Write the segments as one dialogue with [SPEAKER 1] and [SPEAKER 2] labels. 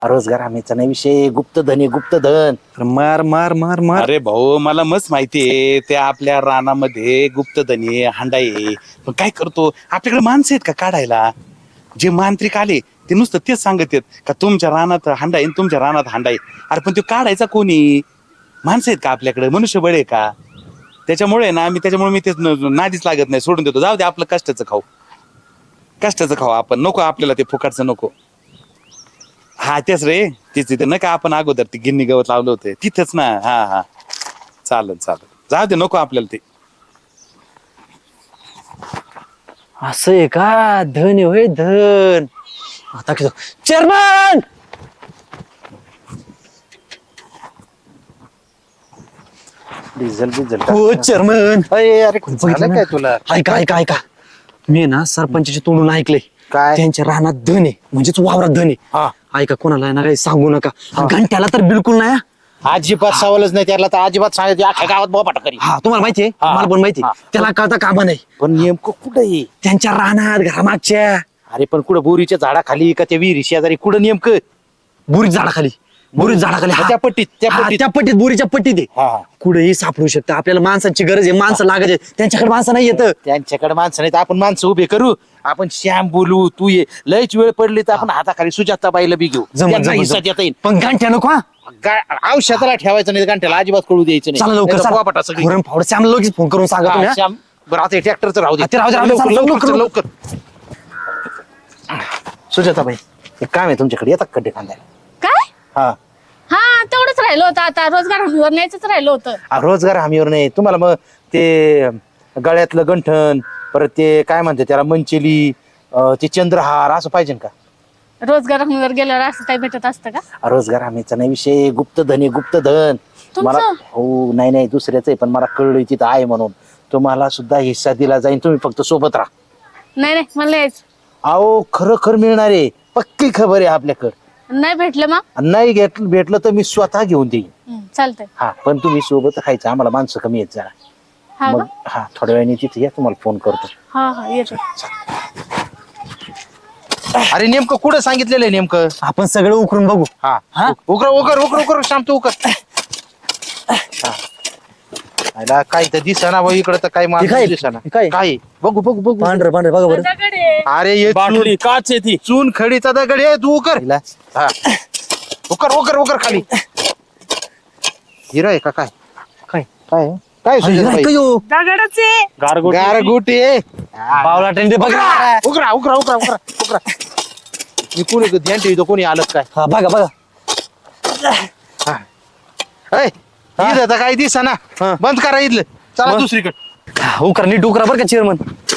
[SPEAKER 1] रोजगार हमीचा नाही विषय, गुप्तधन आहे गुप्तधन.
[SPEAKER 2] मार मार मार मार.
[SPEAKER 3] अरे भाऊ मला मस्त माहितीये त्या आपल्या रानामध्ये गुप्तधन आहे हांडा आहे. पण काय करतो आपल्याकडे माणसं आहेत का काढायला? जे मांत्रिक आले ते नुसतं तेच सांगत आहेत का तुमच्या रानात हांडा आहे तुमच्या रानात हांडा आहे. अरे पण तो काढायचा कोणी? माणसं आहेत का आपल्याकडे? मनुष्यबळ आहे का? त्याच्यामुळे ना मी तेच नादीच लागत नाही, सोडून देतो. जाऊ दे आपलं कष्टाचं खाऊ, कष्टाचं खाऊ आपण. नको आपल्याला ते फुकाटचं नको. हा तेच रे, तेच तिथे नका आपण अगोदर ती गिन्नी गवत लावलं होतं तिथंच ना. हा हा चालेल चालेल, जाऊ दे नको आपल्याला ते.
[SPEAKER 2] असं आहे का? धन आहे होय धन. आता किती चेअरमन.
[SPEAKER 1] डिझेल बिझेल
[SPEAKER 2] हो चेअरमन.
[SPEAKER 1] अरे झालं काय तुला?
[SPEAKER 2] ऐका ऐका ऐका, मी ना सरपंचाच्या तोंडून ऐकलंय
[SPEAKER 1] काय?
[SPEAKER 2] त्यांच्या रानात धन आहे, म्हणजेच वावरात धन आहे.
[SPEAKER 1] हा.
[SPEAKER 2] ऐका कोणाला ना काही सांगू नका. घंट्याला तर बिलकुल नाही.
[SPEAKER 1] अजिबात सवालच नाही त्याला, तर अजिबात सांगायचं अख्ख्या गावात बोबाटा करी.
[SPEAKER 2] हा तुम्हाला माहितीये, मला पण माहिती. त्याला कळता कामा नाही.
[SPEAKER 1] पण नेमकं कुठं आहे?
[SPEAKER 2] त्यांच्या रानात घरामागच्या
[SPEAKER 1] अरे पण कुठं बोरीच्या झाडाखाली का त्या विहिरी शेजारी? कुठं नेमकं?
[SPEAKER 2] बोरीच झाडाखाली. बोरीच झाडाखाली. हा.
[SPEAKER 1] त्या पट्टीत
[SPEAKER 2] हा, त्या पट्टीत बोरीच्या पट्टीत आहे.
[SPEAKER 1] हा.
[SPEAKER 2] कुठेही सापडू शकतं. आपल्याला माणसांची गरज आहे, माणसं लागायचे. त्यांच्याकडे माणसं नाही येत.
[SPEAKER 1] त्यांच्याकडे माणसं नाही तर आपण माणसं उभे करू. आपण श्याम बोलू, तू ये. लयच वेळ पडली तर आपण हाताखाली सुजाताबाईला बी घेऊ. त्यांना हिस्सा देता येईल.
[SPEAKER 2] पण घंट्या नको. हा
[SPEAKER 1] औषधाला ठेवायचं नाही, घंट्याला अजिबात कळू द्यायचं
[SPEAKER 2] चला
[SPEAKER 1] नाही.
[SPEAKER 2] लवकर
[SPEAKER 1] नाहीतर
[SPEAKER 2] चला.
[SPEAKER 1] बोबाटा सगळी.
[SPEAKER 2] फोरम फावडं श्यामला लगेच फोन करून सांगा तुम्ही. हा?
[SPEAKER 1] श्याम बरं आता ट्रॅक्टरचं राहू दे.
[SPEAKER 2] ते राहू दे, राहू दे. चला,
[SPEAKER 1] लवकर
[SPEAKER 2] लवकर,
[SPEAKER 1] लवकर. सुजाताबाई एक काम आहे तुमच्याकडे, येतात खड्डे खांदायला?
[SPEAKER 4] काय?
[SPEAKER 1] हा.
[SPEAKER 4] हा तेवढंच राहिलं होतं, आता रोजगार हमीवर न्यायचंच राहिलं होतं.
[SPEAKER 1] रोजगार हमीवर नाही तुम्हाला. मग ते गळ्यातलं गंठण, परत ते काय म्हणते त्याला मंचेली, ते चंद्रहार असं पाहिजे का?
[SPEAKER 4] रोजगार हमीवर गेल्यावर असं काही भेटत असतं का?
[SPEAKER 1] रोजगार हमीचा नाही विषय, गुप्तधन आहे गुप्तधन.
[SPEAKER 4] तुमचं?
[SPEAKER 1] मला हो नाही दुसऱ्याच आहे, पण मला कळलं तिथं आहे म्हणून तुम्हाला सुद्धा हिस्सा दिला जाईल. तुम्ही फक्त सोबत राहा.
[SPEAKER 4] नाही नाही मला यायचं.
[SPEAKER 1] अहो खरं मिळणार आहे, पक्की खबर आहे आपल्याकडं.
[SPEAKER 4] नाही भेटलं मग?
[SPEAKER 1] नाही भेटलं तर मी स्वतः घेऊन देईन.
[SPEAKER 4] चालतंय.
[SPEAKER 1] हा पण तुम्ही सोबत राहायचं, आम्हाला माणसं कमी येत जरा.
[SPEAKER 4] हा
[SPEAKER 1] मग
[SPEAKER 4] का?
[SPEAKER 1] हा थोड्या वेळाने तिथे या, तुम्हाला फोन करतो.
[SPEAKER 4] हा हा येतो.
[SPEAKER 1] अरे नेमकं कुठं सांगितलेलं आहे नेमकं?
[SPEAKER 2] आपण सगळं उकरून बघू.
[SPEAKER 1] हा
[SPEAKER 2] हा?
[SPEAKER 1] उकर शांत उकर. काय तर दिसना भाऊ इकडं, तर काय
[SPEAKER 2] हे काय?
[SPEAKER 1] माणूस दिसना.
[SPEAKER 2] हे काय?
[SPEAKER 1] काय बघू
[SPEAKER 2] पांढरं पांढरं बघा बरं.
[SPEAKER 4] दगड आहे.
[SPEAKER 1] अरे ये
[SPEAKER 3] बाटली काच आहे ती.
[SPEAKER 1] चून खडीचा दगड आहे. तू उकर. हा. उकर खाली. हिरा आहे का काय?
[SPEAKER 2] काय?
[SPEAKER 1] काय काय सुजाताबाई?
[SPEAKER 2] काय हो?
[SPEAKER 4] दगडच आहे.
[SPEAKER 1] गारगोटी आहे.
[SPEAKER 2] बावला टेंडे बघा.
[SPEAKER 1] उकरा. मी कोणी ध्यान ठेवतो, कोणी आलं काय?
[SPEAKER 2] हा बघा बघा.
[SPEAKER 1] ऐ, इथं तर काही दिसना.
[SPEAKER 2] हा.
[SPEAKER 1] बंद करा इथलं, चला
[SPEAKER 2] मग?
[SPEAKER 1] दुसरीकडे.
[SPEAKER 2] उकरा नीट उकरा बरं का चेअरमन.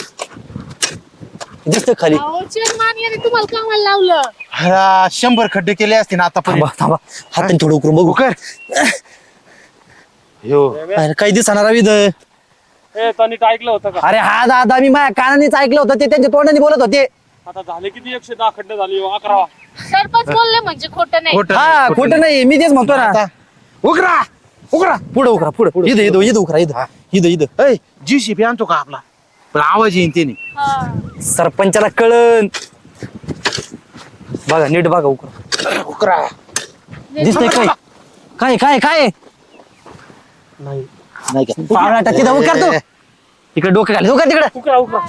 [SPEAKER 2] दिसत खाली.
[SPEAKER 4] अहो, चेअरमन याने तुम्हाला कामाला लावलं.
[SPEAKER 1] 100 खड्डे केले असते ना
[SPEAKER 2] थांबा
[SPEAKER 1] आतापर्यंत.
[SPEAKER 2] थांबा, हाताने थोडं उकरून बघू.
[SPEAKER 1] उकर. यो
[SPEAKER 2] अरे, काही दिसणार विध.
[SPEAKER 5] ऐकलं होतं का?
[SPEAKER 2] अरे हा दादा, मी माझ्या कानानेच ऐकलं होतं. ते त्यांच्या तोंडाने बोलत होते.
[SPEAKER 5] आता झाले किती 110 खड्डे झाली 11वा.
[SPEAKER 4] सरपंच बोलले म्हणजे खोटं नाही.
[SPEAKER 1] खोटं
[SPEAKER 2] हा
[SPEAKER 1] नाही,
[SPEAKER 2] खोटं नाही, मी तेच म्हणतो ना.
[SPEAKER 1] आता उकरा.
[SPEAKER 2] पुढे उकरा पुढे. इथं उकरा.
[SPEAKER 1] ऐ जीसीबी आणतो का आपला? पण आवाज येईन त्याने.
[SPEAKER 4] हा.
[SPEAKER 2] सरपंचाला कळन. बघा नीट बघा उकरा.
[SPEAKER 1] उकरा.
[SPEAKER 2] दिसतंय काय? काय काय काय
[SPEAKER 1] नाही का?
[SPEAKER 2] पावला तिथं उकरतो. इकडे डोकं घाल. उकर तिकडे.
[SPEAKER 5] उकरा.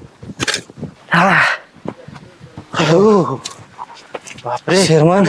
[SPEAKER 1] बापरे
[SPEAKER 2] चेअरमन.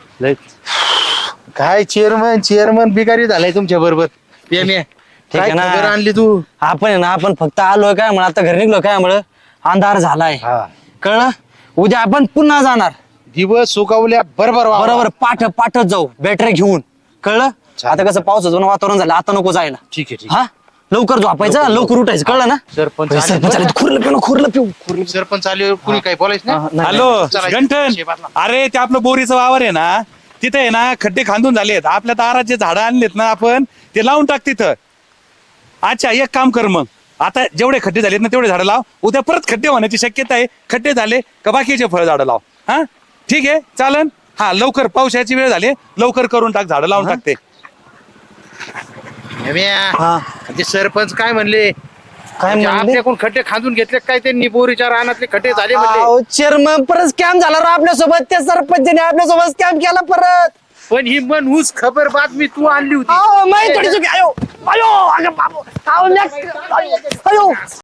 [SPEAKER 1] काय चेअरमन बिगारी झालाय तुमच्या बरोबर.
[SPEAKER 2] ठीक
[SPEAKER 1] काय
[SPEAKER 2] आहे ना.
[SPEAKER 1] खबर आणली तू?
[SPEAKER 2] आपण आहे ना, आपण फक्त आलोय काय म्हणून, आता घरी निघलो काय म्हणून, अंधार झालाय. कळलं? उद्या आपण पुन्हा जाणार.
[SPEAKER 1] दिवस सुकावल्या बरोबर
[SPEAKER 2] बरोबर पाठच जाऊ बॅटरी घेऊन. कळलं? आता कसं पावसाचं वातावरण झालं, आता नको जायला.
[SPEAKER 1] ठीक आहे.
[SPEAKER 2] हा लवकर झोपायचं, लवकर उठायचं. कळलं ना?
[SPEAKER 1] सरपंच
[SPEAKER 2] सरपंच आले, खुरलं पिऊ.
[SPEAKER 1] सरपंच आले, कुणी काही बोलायचं नाही.
[SPEAKER 3] हॅलो
[SPEAKER 1] चला,
[SPEAKER 3] गंठन,
[SPEAKER 1] शेबातला.
[SPEAKER 3] अरे ते आपलं बोरीचं वावर आहे ना, तिथे आहे ना खड्डे खांदून झालेत. आपल्या दाराचे झाडं आणलेत ना आपण, ते लावून टाक तिथं. अच्छा एक काम कर मग, आता जेवढे खड्डे झालेत ना तेवढे झाडं लाव. उद्या परत खड्डे होण्याची शक्यता आहे. खड्डे झाले का बाकीचे फळ झाडं लाव. हा ठीक आहे चालन. हा लवकर, पावसाची वेळ झाली, लवकर करून टाक, झाडं लावून टाकते.
[SPEAKER 1] ते सरपंच काय म्हणले?
[SPEAKER 2] काय
[SPEAKER 1] म्हणजे
[SPEAKER 2] म्हणले?
[SPEAKER 1] आपल्याकडून खड्डे खांदून घेतले काय त्यांनी बोरीच्या रानातले खड्डे झाले म्हणजे
[SPEAKER 2] चेअरमन परत स्कॅम झाला राव आपल्यासोबत त्या सरपंचने आपल्यासोबत स्कॅम केला परत
[SPEAKER 1] पण ही मनहूस खबर बातमी तू आणली होती
[SPEAKER 2] माहिती थोडी चुकी आयो अगं बाबू अहो, अयो